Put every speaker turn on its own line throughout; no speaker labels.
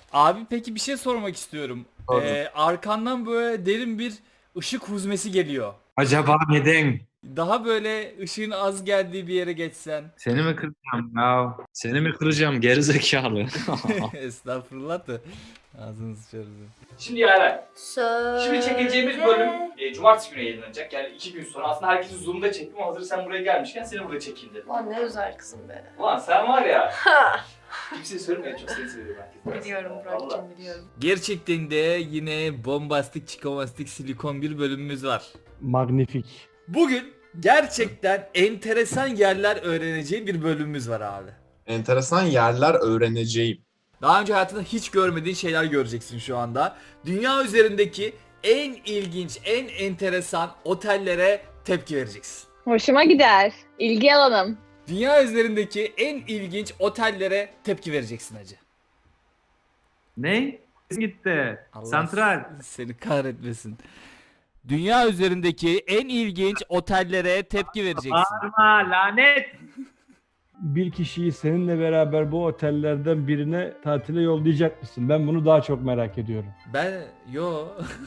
Abi peki bir şey sormak istiyorum.
Tabii.
Arkandan böyle derin bir ışık huzmesi geliyor.
Acaba neden?
Daha böyle ışığın az geldiği bir yere geçsen.
Seni mi kıracağım ya? Seni mi kıracağım gerizekalı?
Estağfurullah da ağzını sıçarız.
Şimdi Yaren,
Söyle.
şimdi çekeceğimiz bölüm cumartesi günü yayınlanacak. Yani 2 gün sonra. Aslında herkesi Zoom'da çektim ama hazır sen buraya gelmişken seni burada çekeyim dedim.
Lan ne özel kızım be.
Ulan sen var ya.
Ha.
Kimseye söylemeyin, çok seni seviyorum herkes.
Biliyorum
Vallahi.
Burak'cığım biliyorum.
Gerçekten de yine bombastik çikomastik silikon bir bölümümüz var.
Magnifik.
Bugün gerçekten enteresan yerler öğreneceği bir bölümümüz var abi.
Enteresan yerler öğreneceğim.
Daha önce hayatında hiç görmediğin şeyler göreceksin şu anda. Dünya üzerindeki en ilginç, en enteresan otellere tepki vereceksin.
Hoşuma gider. İlgi alanım.
Dünya üzerindeki en ilginç otellere tepki vereceksin hacı.
Ne? Gitti.
Allah
Santral.
seni kahretmesin. Dünya üzerindeki en ilginç otellere tepki vereceksin.
Bağırma lanet.
Bir kişiyi seninle beraber bu otellerden birine tatile yollayacak mısın? Ben bunu daha çok merak ediyorum.
Yo.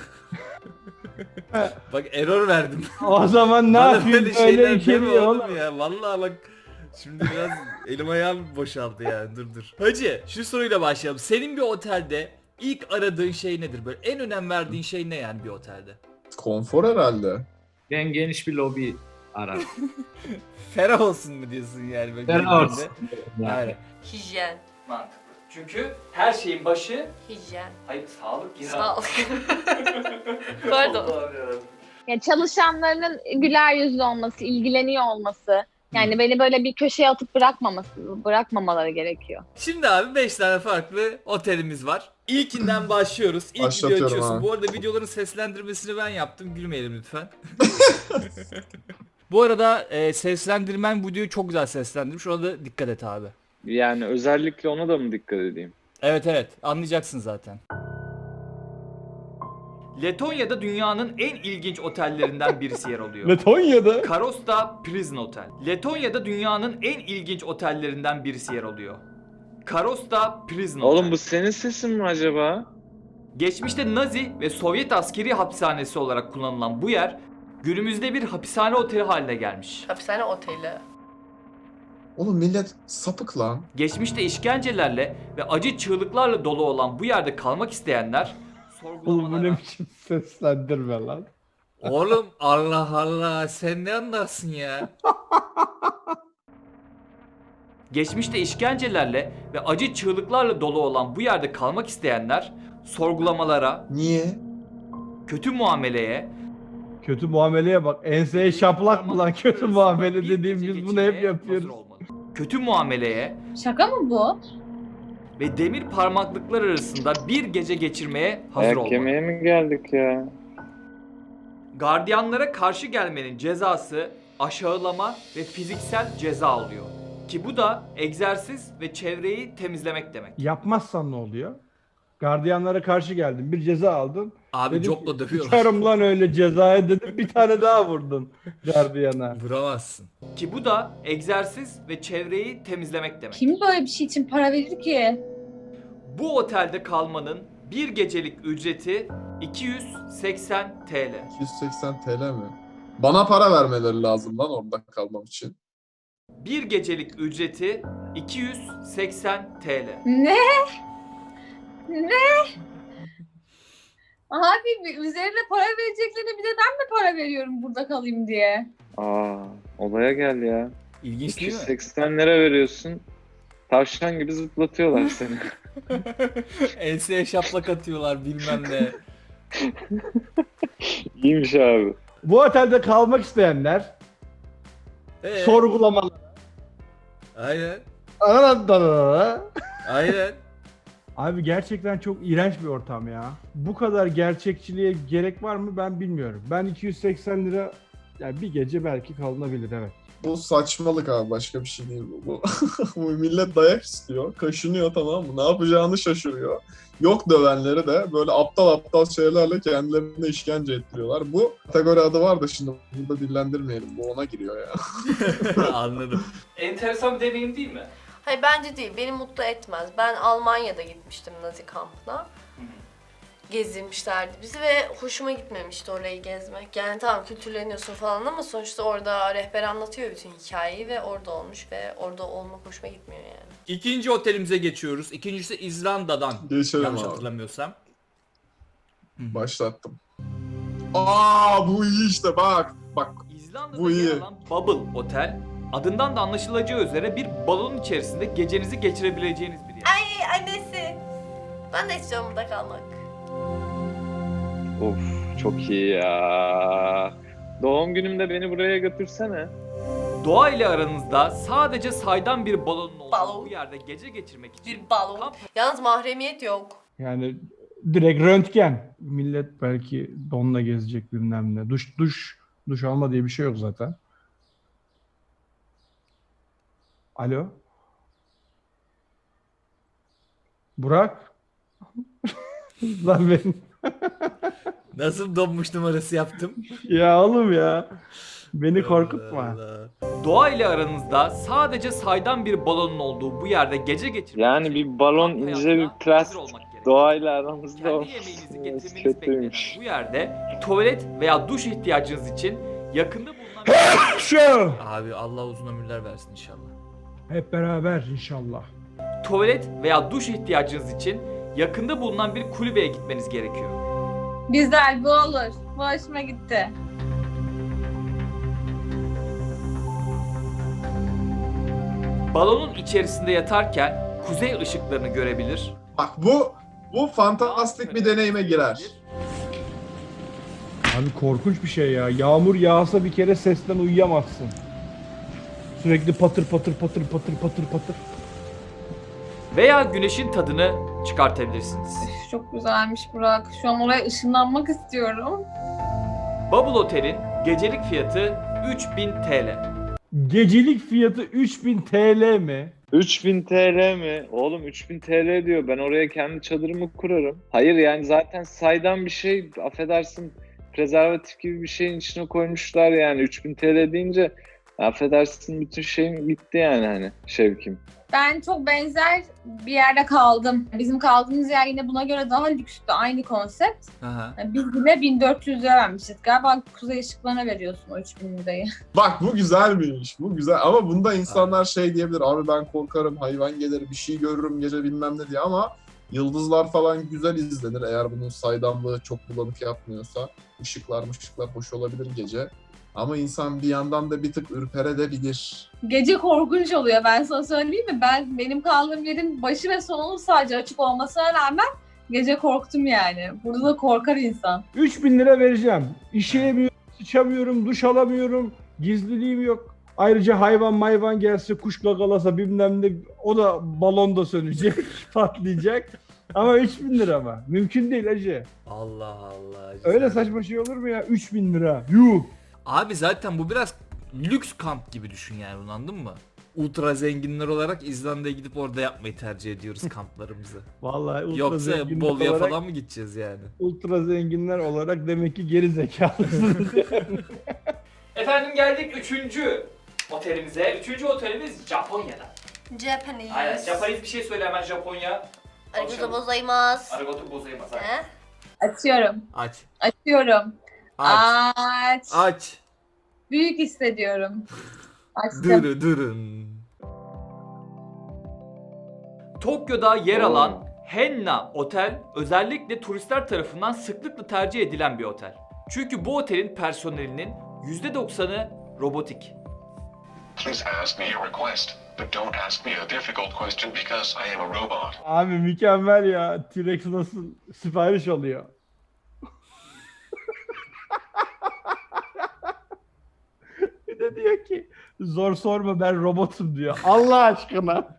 Bak error verdim.
O zaman ne
Bana
yapayım
böyle
böyle
şeyler deme
içeriyor
oğlum
oğlum.
ya. Vallahi bak şimdi biraz elim ayağım boşaldı yani dur. Hacı şu soruyla başlayalım. Senin bir otelde ilk aradığın şey nedir? Böyle en önem verdiğin şey ne yani bir otelde?
Konfor herhalde.
Ben geniş bir lobi ararım.
Ferah olsun mu diyorsun yani? Böyle
Ferah
girdiğinde?
olsun. Yani.
Aynen.
Hijyen.
Mantıklı. Çünkü her şeyin başı,
Hijyen.
hayır sağlık ya.
Sağlık. Pardon.
Allah'ım yarabbim.
Ya çalışanlarının güler yüzlü olması, ilgileniyor olması. Yani beni böyle bir köşeye atıp bırakmamaları gerekiyor.
Şimdi abi 5 tane farklı otelimiz var. İlkinden başlıyoruz. İlk video
Başlatıyorum
açıyorsun.
abi.
Bu arada videoların seslendirmesini ben yaptım. Gülmeyelim lütfen. Bu arada seslendirmen videoyu çok güzel seslendirmiş. Ona da dikkat et abi.
Yani özellikle ona da mı dikkat edeyim?
Evet anlayacaksın zaten. Letonya'da dünyanın en ilginç otellerinden birisi yer alıyor.
Letonya'da.
Karosta Prison Otel. Letonya'da dünyanın en ilginç otellerinden birisi yer alıyor. Karosta Prison Otel.
Oğlum bu senin sesin mi acaba?
Geçmişte Nazi ve Sovyet askeri hapishanesi olarak kullanılan bu yer günümüzde bir hapishane oteli haline gelmiş.
Hapishane oteli.
Oğlum millet sapık lan.
Geçmişte işkencelerle ve acı çığlıklarla dolu olan bu yerde kalmak isteyenler
Oğlum bu
sorgulamalara...
ne biçim seslendirme lan.
Oğlum Allah Allah sen ne anlarsın ya? Geçmişte işkencelerle ve acı çığlıklarla dolu olan bu yerde kalmak isteyenler sorgulamalara,
Niye?
kötü muameleye,
Kötü muameleye bak. Enseye şaplak mı lan kötü muamele
bir
dediğim
gece
biz bunu hep
geçirmeye
yapıyoruz.
hazır olmalı. Kötü muameleye
Şaka mı bu?
ve demir parmaklıklar arasında bir gece geçirmeye hazır
Ayak
olmalı.
yemeye mi geldik ya?
Gardiyanlara karşı gelmenin cezası aşağılama ve fiziksel ceza oluyor. Ki bu da egzersiz ve çevreyi temizlemek demek.
Yapmazsan ne oluyor? Gardiyanlara karşı geldin. Bir ceza aldın.
Abi
Dedim
copla
ki,
dövüyorlar.
"Sıçarım lan öyle cezaya" dedim. Bir tane daha vurdun gardiyana.
Vuramazsın. Ki bu da egzersiz ve çevreyi temizlemek demek.
Kim böyle bir şey için para verir ki?
Bu otelde kalmanın bir gecelik ücreti 280 TL.
280 TL mi? Bana para vermeleri lazım lan orada kalmam için.
Bir gecelik ücreti 280 TL.
Ne? Abi üzerine para vereceklerine bir de ben mi para veriyorum burada kalayım diye?
Aa, olaya gel ya.
İlginç değil mi?
280 lira veriyorsun. Tavşan gibi zıplatıyorlar seni.
Enseye şaplak atıyorlar bilmem ne.
İyiymiş abi.
Bu otelde kalmak isteyenler sorgulamalı.
Aynen. Aynen.
Abi gerçekten çok iğrenç bir ortam ya. Bu kadar gerçekçiliğe gerek var mı ben bilmiyorum. Ben 280 lira yani bir gece belki kalınabilir evet.
Bu saçmalık abi, başka bir şey değil bu. Bu millet dayak istiyor, kaşınıyor, tamam mı? Ne yapacağını şaşırıyor. Yok dövenleri de böyle aptal aptal şeylerle kendilerine işkence ettiriyorlar. Bu kategori adı var da şimdi burada dillendirmeyelim. Bu ona giriyor ya.
Anladım.
Enteresan bir deneyim değil mi?
Hayır bence değil. Beni mutlu etmez. Ben Almanya'da gitmiştim Nazi kampına. Gezdirmişlerdi bizi ve hoşuma gitmemişti orayı gezmek. Yani tamam kültürleniyorsun falan ama sonuçta orada rehber anlatıyor bütün hikayeyi ve orada olmuş ve orada olmak hoşuma gitmiyor yani.
İkinci otelimize geçiyoruz. İkincisi İzlanda'dan.
Geçelim
Yanlış
abi.
hatırlamıyorsam.
Başlattım. Aa bu iyi işte bak. Bak.
İzlanda'da
Bu iyi.
yer alan Bubble Otel, adından da anlaşılacağı üzere bir balon içerisinde gecenizi geçirebileceğiniz bir yer.
Ay annesi. Ben de istiyorum burada kalmak.
Of çok iyi ya. Doğum günümde beni buraya götürsene.
Doğa ile aranızda sadece saydam bir balonun olduğu
Balon.
bu yerde gece geçirmek için
Bir balon.
kamp
Yalnız mahremiyet yok.
Yani direkt röntgen. Millet belki donla gezecek bilmem ne. Duş alma diye bir şey yok zaten. Alo? Burak? Lan ben...
nasıl donmuş numarası yaptım?
Ya oğlum ya. Beni korkutma.
Allah. Doğa ile aranızda sadece saydam bir balonun olduğu bu yerde gece geçirmek
Yani
için
bir balon
kamp
ince
hayatına
bir
hazır
plastik
olmak gerekir.
doğayla aramızda
Kendi
olması
yemeğinizi getirmeniz beklenen
kötüymüş.
bu yerde tuvalet veya duş ihtiyacınız için yakında bulunan
Şu.
Abi Allah uzun ömürler versin inşallah.
Hep beraber inşallah.
Tuvalet veya duş ihtiyacınız için yakında bulunan bir kulübeye gitmeniz gerekiyor.
Güzel bu olur. Bu hoşuma gitti.
Balonun içerisinde yatarken kuzey ışıklarını görebilir.
Bak bu fantastik bir deneyime girer.
Abi korkunç bir şey ya. Yağmur yağsa bir kere sesten uyuyamazsın. Sürekli patır patır patır patır patır patır.
Veya güneşin tadını çıkartabilirsiniz.
Çok güzelmiş Burak. Şu an oraya ışınlanmak istiyorum.
Bubble Otel'in gecelik fiyatı 3000 TL.
Gecelik fiyatı 3000 TL mi?
3000 TL mi? Oğlum 3000 TL diyor. Ben oraya kendi çadırımı kurarım. Hayır yani zaten saydam bir şey, affedersin, prezervatif gibi bir şeyin içine koymuşlar yani. 3000 TL deyince affedersin bütün şeyim bitti yani hani Şevkim.
Ben çok benzer bir yerde kaldım. Bizim kaldığımız yer yine buna göre daha lükstü. Aynı konsept.
Aha.
Yani biz yine 1400 lira vermişiz. Galiba kuzey ışıklarına veriyorsun o 3000 lirayı.
Bak bu güzelmiş. Bu güzel ama bunda insanlar şey diyebilir. Abi ben korkarım, hayvan gelir, bir şey görürüm gece bilmem ne diye ama yıldızlar falan güzel izlenir eğer bunun saydamlığı çok bulanık yapmıyorsa. Işıklar hoş olabilir gece. Ama insan bir yandan da bir tık ürperebilir.
Gece korkunç oluyor ben sana söyleyeyim mi? Benim kaldığım yerin başı ve sonu sadece açık olmasına rağmen gece korktum yani. Burada da korkar insan.
3000 lira vereceğim. İşeyemiyorum, sıçamıyorum, duş alamıyorum, gizliliğim yok. Ayrıca hayvan gelse, kuş gagalasa bilmem ne, o da balonda sönecek, patlayacak. Ama 3000 lira mı? Mümkün değil hacı.
Allah Allah.
Öyle
güzel.
saçma şey olur mu ya? 3000 lira. Yuh.
Abi zaten bu biraz lüks kamp gibi düşün yani bunu, anladın mı? Ultra zenginler olarak İzlanda'ya gidip orada yapmayı tercih ediyoruz kamplarımızı.
Vallahi ultra
Yoksa
zenginler
Bolu'ya
olarak,
falan mı gideceğiz yani?
ultra zenginler olarak demek ki geri zekalısınız.
Efendim geldik 3. otelimize. 3. otelimiz Japonya'da.
Japanese.
Aynen. Japanese bir şey söyle hemen Japonya.
Arigato gozaimasu.
Arigato gozaimasu.
He?
Açıyorum.
Aç.
Açıyorum.
Aç.
Aç.
Aç.
Büyük hissediyorum. Açtım.
Durun. Tokyo'da yer alan Henna Otel özellikle turistler tarafından sıklıkla tercih edilen bir otel. Çünkü bu otelin personelinin %90'ı robotik.
Please ask me a request, but don't ask me a difficult question because I am a robot.
Abi mükemmel ya. T-Rex nasıl sipariş alıyor? Bir de diyor ki zor sorma ben robotum diyor. Allah aşkına.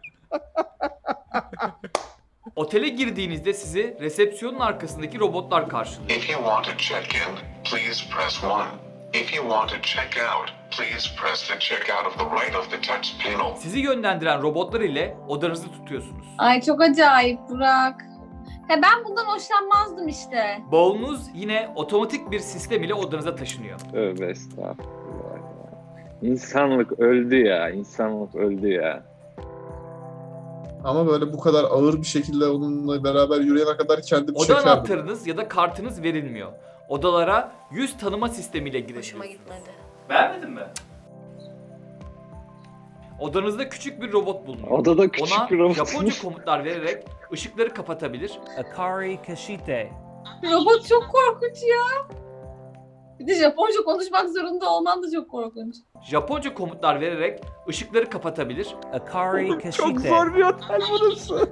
Otele girdiğinizde sizi resepsiyonun arkasındaki robotlar karşılıyor.
If you want to check in, please press 1. If you want to check out, please press the check out of the right of the touch panel.
Sizi yönlendiren robotlar ile odanızı tutuyorsunuz.
Ay çok acayip Burak. Ben bundan hoşlanmazdım işte.
Bavulunuz yine otomatik bir sistem ile odanıza taşınıyor.
Tövbe estağfurullah ya. İnsanlık öldü ya. İnsanlık öldü ya.
Ama böyle bu kadar ağır bir şekilde onunla beraber yürüyene kadar kendim
Oda
çekerdim.
anahtarınız ya da kartınız verilmiyor. Odalara yüz tanıma sistemiyle
Hoşuma
girebilirsiniz.
gitmedi.
Beğenmedin mi?
Odanızda küçük bir robot bulunuyor.
Odada küçük
Ona
bir robot.
Japonca komutlar vererek ışıkları kapatabilir.
Akari Kashite.
Robot çok korkunç ya. Bir de Japonca konuşmak zorunda olman da çok korkunç.
Japonca komutlar vererek ışıkları kapatabilir.
Akari
Çok
Kashite.
zor bir otel burası.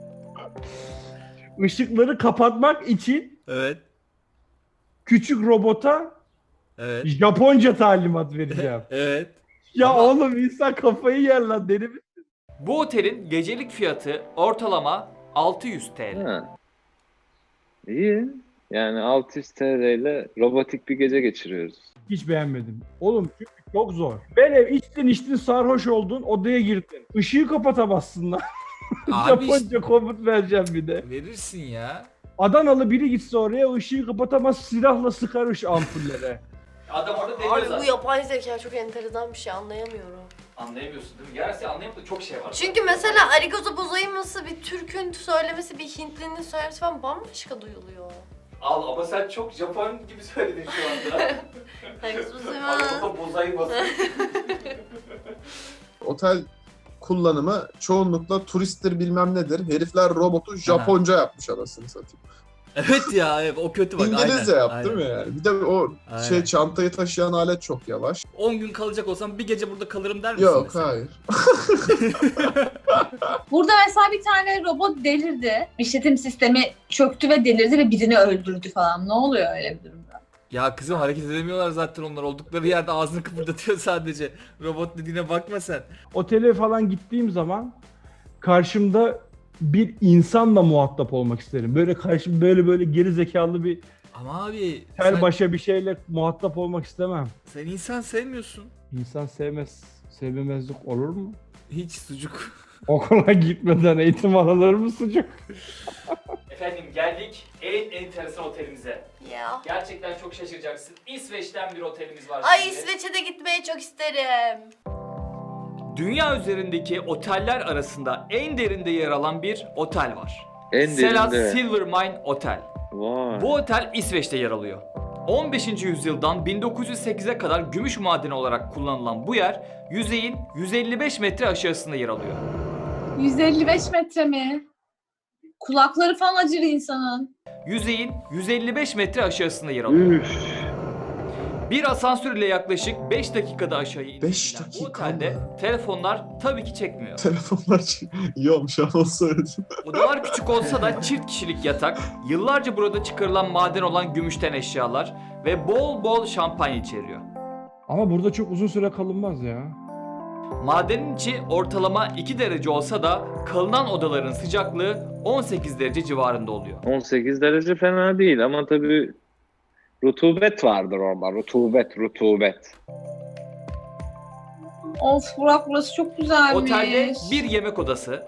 Işıkları kapatmak için
Evet.
küçük robota
Evet.
Japonca talimat vereceğim.
Evet.
Ya
Ama-
oğlum insan kafayı yer lan deli mi?
Bu otelin gecelik fiyatı ortalama 600 TL.
Ha. İyi. Yani 600 TL ile robotik bir gece geçiriyoruz.
Hiç beğenmedim. Oğlum çünkü çok zor. Böyle içtin sarhoş oldun odaya girdin. Işığı kapatamazsın lan.
Abi
Japonca komut vereceğim bir de.
verirsin ya.
Adanalı biri gitse oraya ışığı kapatamaz silahla sıkar ampullere.
Adam orada deniyor
Abi bu
zaten.
yapay zeka çok enteresan bir şey, anlayamıyorum.
Anlayamıyorsun değil mi? Gerçekten anlayamadığın çok şey var.
Çünkü mesela arigato gozaimasu bir Türk'ün söylemesi, bir Hintlinin söylemesi falan bambaşka duyuluyor.
Al ama sen çok Japon gibi söyledin şu anda.
Arigato gozaimasu.
Arada bozaymasın.
Otel kullanımı çoğunlukla turisttir bilmem nedir. Herifler robotu Japonca yapmış anasını satayım.
Evet ya, evet, o kötü bak.
İngilizce
aynen,
yaptı
aynen.
mı yani? Bir de o
Aynen.
çantayı taşıyan alet çok yavaş.
10 gün kalacak olsam bir gece burada kalırım der misin?
Yok
mesela?
hayır.
Burada mesela bir tane robot delirdi. İşletim sistemi çöktü ve delirdi ve birini öldürdü falan. Ne oluyor öyle bir durumda?
Ya kızım hareket edemiyorlar zaten onlar. Oldukları yerde ağzını kıpırdatıyor sadece. Robot dediğine bakma sen.
Otele falan gittiğim zaman karşımda bir insanla muhatap olmak isterim. Böyle karşım böyle geri zekalı bir
Ama abi
tel başa bir şeyle muhatap olmak istemem.
sen insan sevmiyorsun.
İnsan sevmemezlik olur mu?
Hiç sucuk.
Okula gitmeden eğitim alınır mı sucuk?
Efendim geldik en enteresan otelimize.
Ya.
Gerçekten çok şaşıracaksın. İsveç'ten bir otelimiz var
Ay
şimdi.
İsveç'e de gitmeyi çok isterim.
Dünya üzerindeki oteller arasında en derinde yer alan bir otel var.
En
Sela
derinde.
Silvermine Otel.
Vay.
Bu otel İsveç'te yer alıyor. 15. yüzyıldan 1908'e kadar gümüş madeni olarak kullanılan bu yer yüzeyin 155 metre aşağısında yer alıyor.
155 metre mi? Kulakları falan acır insanın.
Yüzeyin 155 metre aşağısında yer alıyor.
Üf.
Bir asansör ile yaklaşık 5 dakikada aşağı
Beş
indiğinden bu
dakika
otelde
mı?
telefonlar tabii ki çekmiyor.
Telefonlar iyi olmuş ama söyledim.
Odalar küçük olsa da çift kişilik yatak, yıllarca burada çıkarılan maden olan gümüşten eşyalar ve bol bol şampanya içeriyor.
Ama burada çok uzun süre kalınmaz ya.
Madenin içi ortalama 2 derece olsa da kalınan odaların sıcaklığı 18 derece civarında oluyor.
18 derece fena değil ama tabii rutubet vardır orada. Rutubet.
Of Burak, burası çok güzelmiş.
Otelde bir yemek odası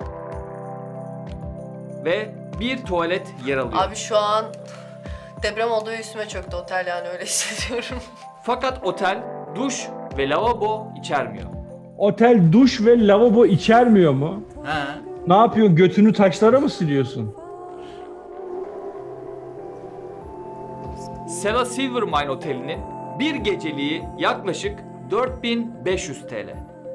ve bir tuvalet yer alıyor.
Abi şu an deprem oldu ve üstüme çöktü otel, yani öyle hissediyorum.
Fakat otel duş ve lavabo içermiyor.
Otel duş ve lavabo içermiyor mu?
Ha.
Ne yapıyorsun? Götünü taşlara mı siliyorsun?
Sela Silvermine Oteli'nin bir geceliği yaklaşık 4500 TL.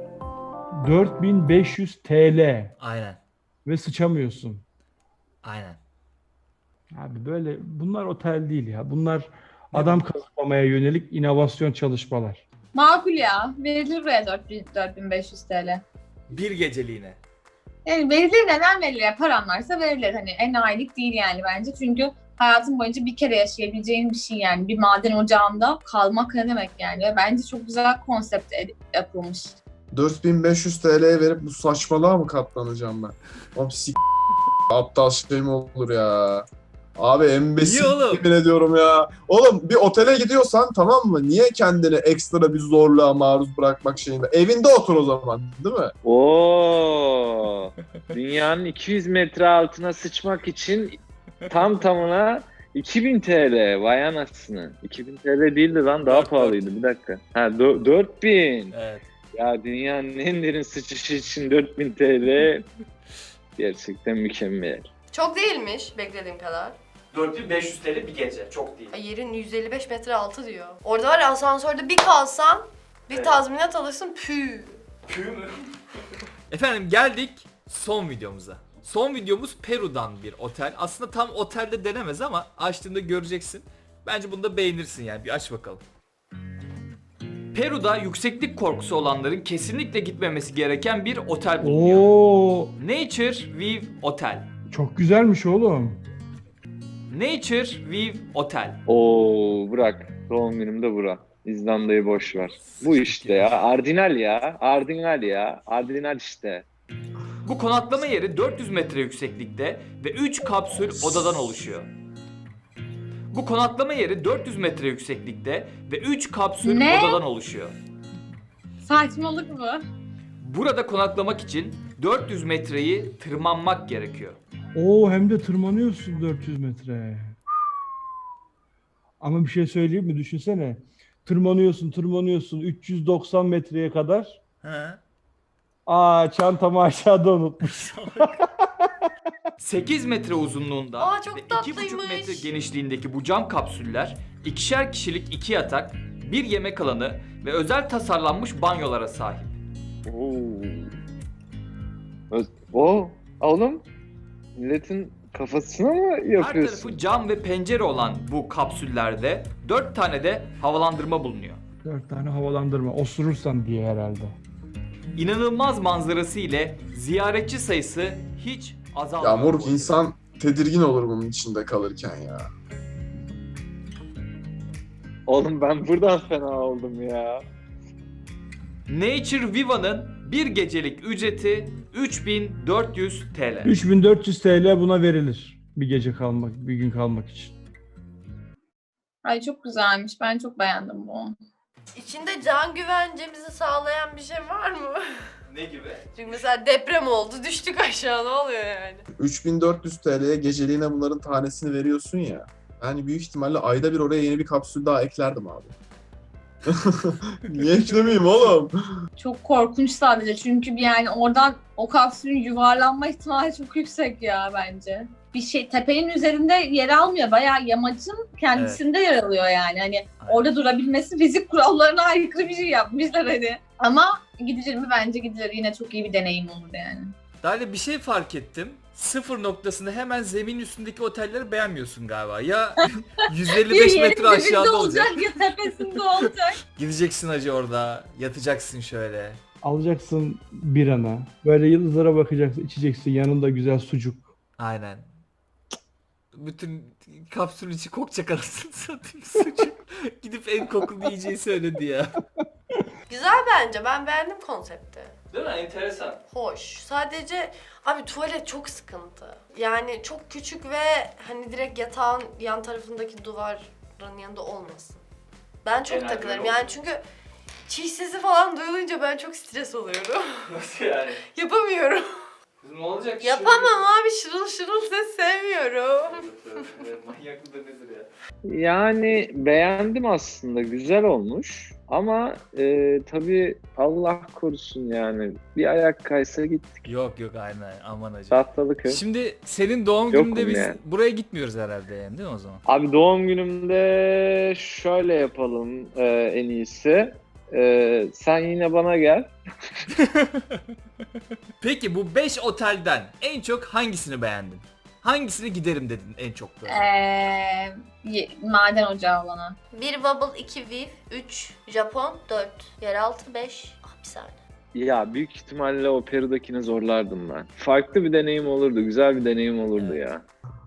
4500 TL
Aynen.
ve sıçamıyorsun.
Aynen.
Abi böyle bunlar otel değil ya. Bunlar adam kazanmaya yönelik inovasyon çalışmalar.
Makul ya. Verilir buraya 4500 TL.
Bir geceliğine.
Yani verilir, neden verilir? Paran varsa verilir. Hani enayilik değil yani bence. Çünkü hayatın boyunca bir kere yaşayabileceğin bir şey yani. Bir maden ocağında kalmak ne demek yani. Ve bence çok güzel konsept yapılmış.
4500 TL'ye verip bu saçmalığa mı katlanacağım ben? Oğlum aptal şey mi olur ya? Abi embesil
İyi oğlum.
yemin ediyorum ya. Oğlum bir otele gidiyorsan tamam mı? Niye kendini ekstra bir zorluğa maruz bırakmak şeyinde? Evinde otur o zaman, değil mi?
Oo. Dünyanın 200 metre altına sıçmak için tam tamına 2000 TL. Vay anasını. 2000 TL değildi lan, daha
4.
pahalıydı. Bir dakika. Ha 4000.
Evet.
Ya dünyanın en derin sıçışı için 4000 TL Gerçekten mükemmel.
Çok değilmiş beklediğim kadar.
4500 TL bir gece. Çok değil.
Ay, yerin 155 metre altı diyor. Orada var ya, asansörde bir kalsan bir
Evet.
tazminat alırsın pü.
Pü mü?
Efendim geldik son videomuza. Son videomuz Peru'dan bir otel. Aslında tam otelde denemez ama açtığında göreceksin. Bence bunu da beğenirsin yani. Bir aç bakalım. Peru'da yükseklik korkusu olanların kesinlikle gitmemesi gereken bir otel bulunuyor.
Oo,
Nature View Otel.
çok güzelmiş oğlum.
Nature View Otel.
Oo Burak. Doğum günümde Burak. İzlanda'yı boş ver. Bu işte ya. Ardinal ya. Ardinal ya. Ardinal işte.
Bu konaklama yeri 400 metre yükseklikte ve 3 kapsül odadan oluşuyor. Bu konaklama yeri 400 metre yükseklikte ve 3 kapsül
Ne?
odadan oluşuyor.
Saçmalık mı?
Burada konaklamak için 400 metreyi tırmanmak gerekiyor.
Oo, hem de tırmanıyorsun 400 metre. Ama bir şey söyleyeyim mi? Düşünsene. Tırmanıyorsun 390 metreye kadar.
He.
Aa, çantamı aşağıda unutmuş.
8 metre uzunluğunda
Aa, çok
ve 2,5
tatlıymış.
metre genişliğindeki bu cam kapsüller ikişer kişilik 2 yatak, bir yemek alanı ve özel tasarlanmış banyolara sahip.
Oğlum milletin kafasına mı
Her
yapıyorsun?
tarafı cam ve pencere olan bu kapsüllerde 4 tane de havalandırma bulunuyor.
4 tane havalandırma. Osurursan diye herhalde.
İnanılmaz manzarası ile ziyaretçi sayısı hiç azalmıyor.
Ya moruk, insan tedirgin olur bunun içinde kalırken ya.
Oğlum ben buradan fena oldum ya.
Nature Viva'nın bir gecelik ücreti 3400 TL.
3400 TL buna verilir. Bir gece kalmak, bir gün kalmak için.
Ay çok güzelmiş. Ben çok beğendim bu.
İçinde can güvencemizi sağlayan bir şey var mı?
Ne gibi?
Çünkü mesela deprem oldu, düştük aşağı, ne oluyor yani?
3400 TL'ye geceliğine bunların tanesini veriyorsun ya. Yani büyük ihtimalle ayda bir oraya yeni bir kapsül daha eklerdim abi. Niye eklemeyeyim oğlum?
Çok korkunç sadece çünkü yani oradan o kapsülün yuvarlanma ihtimali çok yüksek ya bence. Bir şey tepenin üzerinde yer almıyor. Bayağı yamacın kendisinde yer alıyor yani. Hani orada durabilmesi fizik kurallarına aykırı bir şey yapmışlar hani. Ama gidilir mi? Bence gidilir. Yine çok iyi bir deneyim olur yani.
Daha bir şey fark ettim. Sıfır noktasında hemen zemin üstündeki otelleri beğenmiyorsun galiba. Ya 155 metre
dibinde
aşağıda olacak.
ya tepesinde olacak.
Gideceksin hacı orada. Yatacaksın şöyle.
Alacaksın birana. Böyle yıldızlara bakacaksın, içeceksin. Yanında güzel sucuk.
Aynen. Bütün kapsül içi kokacak anasını satayım sucuk. Gidip en kokulu yiyeceği söyledi ya.
Güzel bence, ben beğendim konsepti.
Değil mi? Enteresan.
Hoş. Sadece abi tuvalet çok sıkıntı. Yani çok küçük ve hani direkt yatağın yan tarafındaki duvarın yanında olmasın. Ben çok
Genelde
takılırım
öyle
yani
oluyor.
çünkü çiş sesi falan duyulunca ben çok stres oluyorum.
Nasıl yani?
Yapamıyorum.
Kızım ne olacak?
Yapamam abi, şırıl şırıl ses sevmiyorum.
Manyak mıdır nedir ya?
Yani beğendim aslında. Güzel olmuş. Ama tabii Allah korusun yani. Bir ayak kaysa gittik.
Yok aynen aman hacı.
Tahtalıköy.
Şimdi senin doğum
Yokum
gününde biz
yani.
buraya gitmiyoruz herhalde yani değil mi o zaman?
Abi doğum günümde şöyle yapalım en iyisi. Sen yine bana gel.
Peki bu 5 otelden en çok hangisini beğendin? Hangisine giderim dedin en çok böyle?
Maden ocağı olana.
1 Wobble, 2 Viv, 3 Japon, 4 yeraltı, 5 bir saniye.
Ya büyük ihtimalle o Peru'dakini zorlardım ben. Farklı bir deneyim olurdu. Güzel bir deneyim olurdu ya.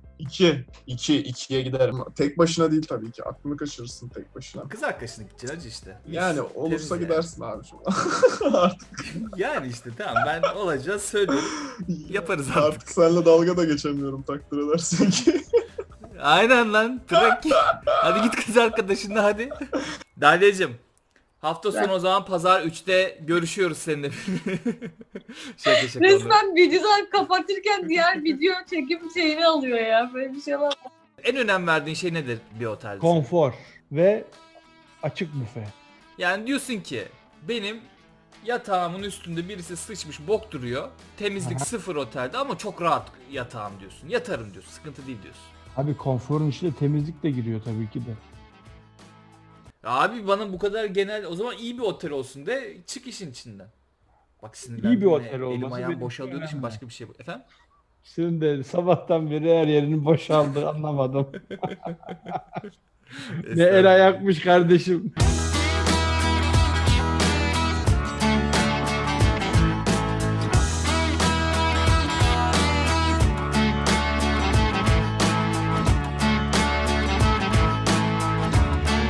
2'ye giderim. Tek başına değil tabii ki. Aklını kaçırırsın tek başına.
Kız arkadaşına gideceksin hacı işte.
Yani
Mis,
olursa
temiz
gidersin abi şu an. Artık,
Yani işte tamam ben olacağız söylüyorum. Yaparız artık.
artık seninle dalga da geçemiyorum takdir edersin ki.
Aynen lan bırak git. Hadi git kız arkadaşınla hadi. Dalya'cığım hafta sonu o zaman pazar 3'te görüşüyoruz seninle. şaka.
Resmen videodan kapatırken diğer video çekim şeyini alıyor ya. Böyle bir şey var.
En önem verdiğin şey nedir bir otelde?
Konfor ve açık büfe.
Yani diyorsun ki benim yatağımın üstünde birisi sıçmış bok duruyor. Temizlik sıfır otelde ama çok rahat yatağım diyorsun. Yatarım diyorsun. Sıkıntı değil diyorsun.
Abi konforun içine temizlik de giriyor tabii ki de.
Abi bana bu kadar genel, o zaman iyi bir otel olsun de çık işin içinden. Bak sinirlendim.
İyi bir otel
Elim
olması
ayağım
benim
boşaldığı için
önemli.
başka bir şey bu. Efendim?
Senin de sabahtan beri her yerinin boşaldı anlamadım. Ne el ayakmış kardeşim.